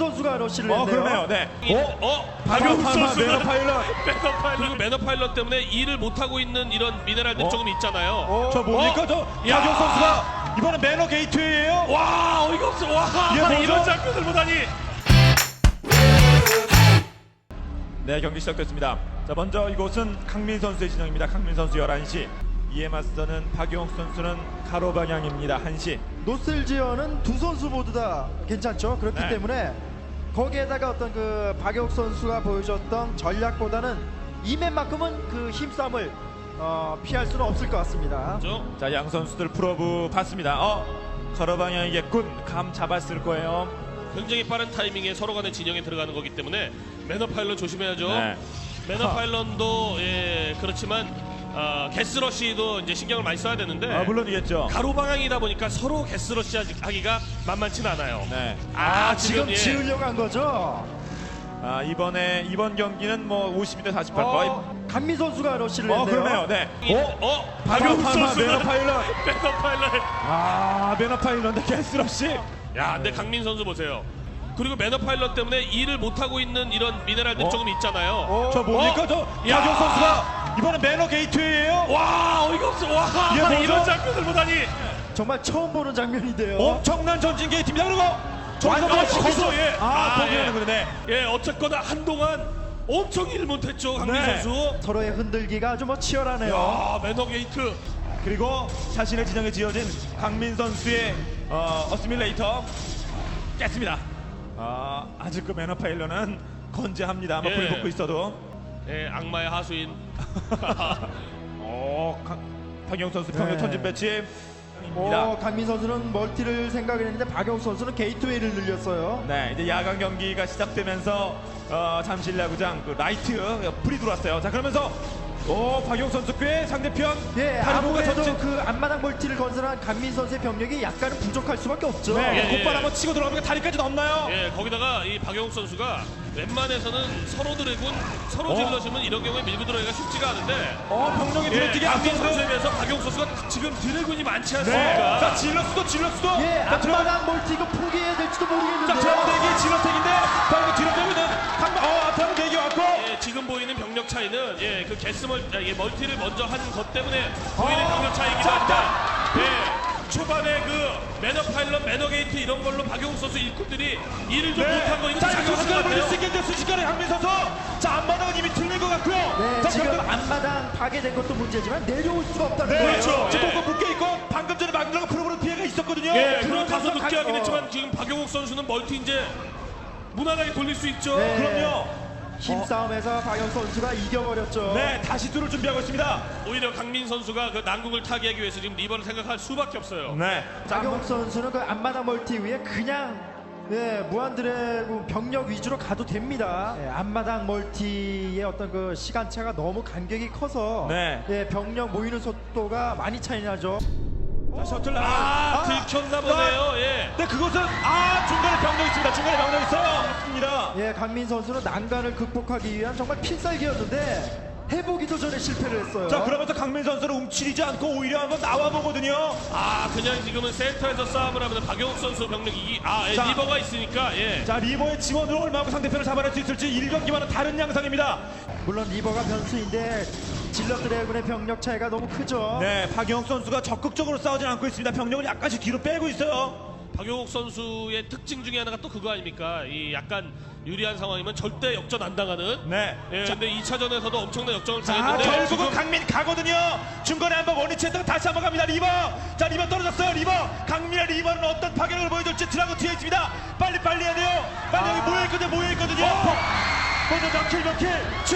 선수가 러시를 했네요. 그러네요. 네. 박용욱 선수는 매너 파일럿. 그리고 매너 파일럿 때문에 일을 못하고 있는 이런 미네랄들 조금 있잖아요. 저 뭡니까? 저 야! 박용 선수가 이번에 매너 게이트웨이예요. 와 어이가 없어. 와 이게 뭐죠? 이런 장면을 보다니. 네, 경기 시작됐습니다. 자, 먼저 이곳은 강민 선수의 진영입니다. 강민 선수 11시. 이에 맞서는 박용욱 선수는 가로 방향입니다. 1시. 노슬지어는 두 선수 모두 다 괜찮죠. 그렇기 네. 때문에 거기에다가 어떤 그 박용욱 선수가 보여줬던 전략보다는 이 맵만큼은 그 힘싸움을 피할 수는 없을 것 같습니다. 그렇죠? 자, 양 선수들 프로브 봤습니다. 가로 방향이겠군. 감 잡았을 거예요. 굉장히 빠른 타이밍에 서로 간의 진영에 들어가는 거기 때문에 매너 파일럿 조심해야죠. 네. 매너 파일럿도 그렇지만 게스러시도 이제 신경을 많이 써야 되는데 물론이겠죠. 가로 방향이다 보니까 서로 게스러시 하기가 만만치는 않아요. 네. 지금 지으려고 한 거죠. 이번 경기는 뭐 52대 48 거의. 강민 선수가 러시를 했네요. 그러네요. 네. 박용욱 선수는 매너 파일럿. 매너 파일럿. 매너 파일럿인데 게스러시. 야, 근데 강민 선수 보세요. 그리고 매너 파일럿 때문에 일을 못하고 있는 이런 미네랄들 조금 있잖아요. 저 뭡니까? 저 야! 박용 선수가 이번에 매너 게이트웨이예요. 와 어이가 없어. 와 이게 뭐죠? 이런 장면을 보다니. 정말 처음 보는 장면인데요. 엄청난 전진 게이트입니다. 그리고 거기서 포기하는 거네. 예, 어쨌거나 한동안 엄청 일 못했죠 강민 네. 선수. 서로의 흔들기가 아주 치열하네요. 야 매너 게이트. 그리고 자신의 진영에 지어진 강민 선수의 어시밀레이터 깼습니다. 아직 그 매너 파일럿은 건재합니다. 불이 붙고 있어도. 예, 악마의 하수인. 박용 선수 평균 네. 턴진 배치. 강민 선수는 멀티를 생각을 했는데 박용욱 선수는 게이트웨이를 늘렸어요. 네, 이제 야간 경기가 시작되면서 잠실 야구장 그 라이트 불이 들어왔어요. 자, 그러면서 박용 선수 꽤 상대편 다리보가 아무래도 전진. 그 앞마당 멀티를 건설한 강민 선수의 병력이 약간은 부족할 수밖에 없죠. 네, 예, 곧바로 예. 한번 치고 들어가면 다리까지 넘나요? 예, 거기다가 이 박영욱 선수가 웬만해서는 서로 드래곤, 서로 질러주면 이런 경우에 밀고 들어가기가 쉽지가 않은데. 병력이 들어뛰기 강민 앞서서. 선수에 비해서 박영욱 선수가 지금 드래곤이 많지 네. 않습니까? 자, 질러스도. 앞마당 멀티 이거 포기해야 될지도 자, 모르겠는데요. 드럼대기 질러택인데 방금 뒤로 빼고 있는 드럼대기 왔고. 예, 지금 보이는 병력 차이는 그 멀티를 먼저 한 것 때문에 보이는 병력 차이이기도 한데 초반에 그 매너 파일럿, 매너 게이트 이런 걸로 박용욱 선수 일꾼들이 일을 좀 못한 거 이거 자, 작용한 것 순식간에 같아요. 물릴 수 있겠는데 순식간에 강민 선수. 자, 앞마당은 이미 틀린 것 같고요. 네, 자, 지금 병력. 앞마당 파괴된 것도 문제지만 내려올 수가 없다는 네, 거예요. 그렇죠. 예. 지금 묶여 있고 방금 전에 막느라고 프로브로 피해가 있었거든요. 물론 다소 그러면서 늦게 하긴 강- 했지만 지금 박용욱 선수는 멀티 이제 무난하게 돌릴 수 있죠. 네. 그럼요. 힘싸움에서 박용 선수가 이겨버렸죠. 네, 다시 뚫을 준비하고 있습니다. 오히려 강민 선수가 그 난국을 타개하기 위해서 지금 리버를 생각할 수밖에 없어요. 네. 자, 박용욱 선수는 그 앞마당 멀티 위에 그냥 무한드래곤 병력 위주로 가도 됩니다. 앞마당 멀티의 어떤 그 시간차가 너무 간격이 커서 네. 병력 모이는 속도가 많이 차이 나죠. 자, 셔틀 들켰나 보네요. 예. 네, 그것은 중간에 병력 있습니다. 중간에 병력 있어요. 맞습니다. 강민 선수는 난간을 극복하기 위한 정말 필살기였는데 해보기도 전에 실패를 했어요. 자, 그러면서 강민 선수를 움츠리지 않고 오히려 한번 나와 보거든요. 그냥 지금은 센터에서 싸움을 하면 박용욱 선수 병력이 자. 리버가 있으니까 자, 리버의 지원으로 얼마나 상대편을 잡아낼 수 있을지 1경기와는 다른 양상입니다. 물론 리버가 변수인데 질러 드래곤의 병력 차이가 너무 크죠. 네, 박영욱 선수가 적극적으로 싸우진 않고 있습니다. 병력을 약간씩 뒤로 빼고 있어요. 박용욱 선수의 특징 중에 하나가 또 그거 아닙니까? 이 약간 유리한 상황이면 절대 역전 안 당하는. 네. 자, 근데 2차전에서도 엄청난 역전을 자, 당했는데 결국은 지금 강민 가거든요. 중간에 한번 원위치했다가 다시 한번 갑니다. 리버. 자, 리버 떨어졌어요. 리버. 강민의 리버는 어떤 파괴력을 보여줄지 드라고 뒤에 있습니다. 빨리 해야 돼요. 빨리 여기 모여있거든요. 먼저 몇 킬?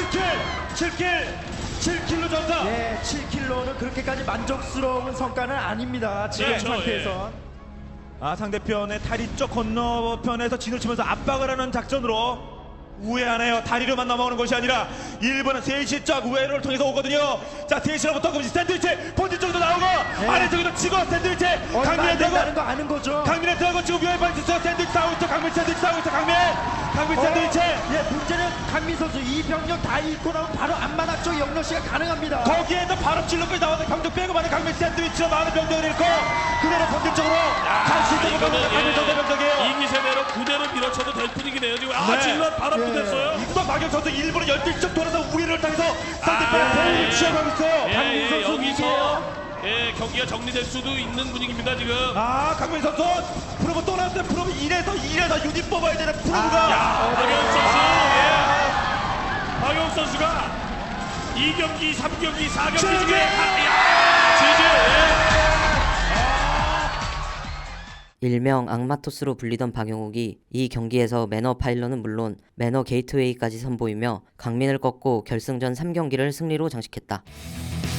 7킬로 전사. 7킬로는 그렇게까지 만족스러운 성과는 아닙니다. 지금 그렇죠, 상태에선. 상대편의 다리 쪽 건너편에서 진을 치면서 압박을 하는 작전으로 우회하네요. 다리로만 넘어오는 것이 아니라 일본은 3시 쪽 우회를 통해서 오거든요. 자, 3시로부터 그럼 샌드위치 본진 쪽도 나오고 아래쪽에도 치고 샌드위치 강민의 된다는 대고 거 아는 거죠. 강민의 들어가고 지금 위에 빠져 있어요. 샌드위치 싸우고 있어. 강민 샌드위치 싸우고 있어. 강민. 강민 샌드위치. 예, 문제는 강민 선수 이 병력 다 잃고 나면 바로 앞마당 쪽 영러시가 가능합니다. 거기에도 바로 찔러까지 나와서 병력 빼고 많은 강민 샌드위치로 많은 병력을 잃고 그대로 본질적으로 갈 수 있는 이거는 병력 강민 선수 병력이에요. 이기 세대로 그대로 밀어쳐도 될 분위기네요. 지금 네. 질럿 바로 예. 붙었어요. 이구만 박영 선수 일부러 12쪽 돌아서 우위를 당해서 상대편의 패를 취해가고 있어요. 강민 선수 여기서 경기가 정리될 수도 있는 분위기입니다 지금. 강민 선수 프로브 또 나왔어요. 프로브 1에서 유닛 뽑아야 되는 프로브가. 박영 선수, 박영 선수가 2경기, 3경기, 4경기 지지! 중에 일명 악마토스로 불리던 박용욱이 이 경기에서 매너 파일런은 물론 매너 게이트웨이까지 선보이며 강민을 꺾고 결승전 3경기를 승리로 장식했다.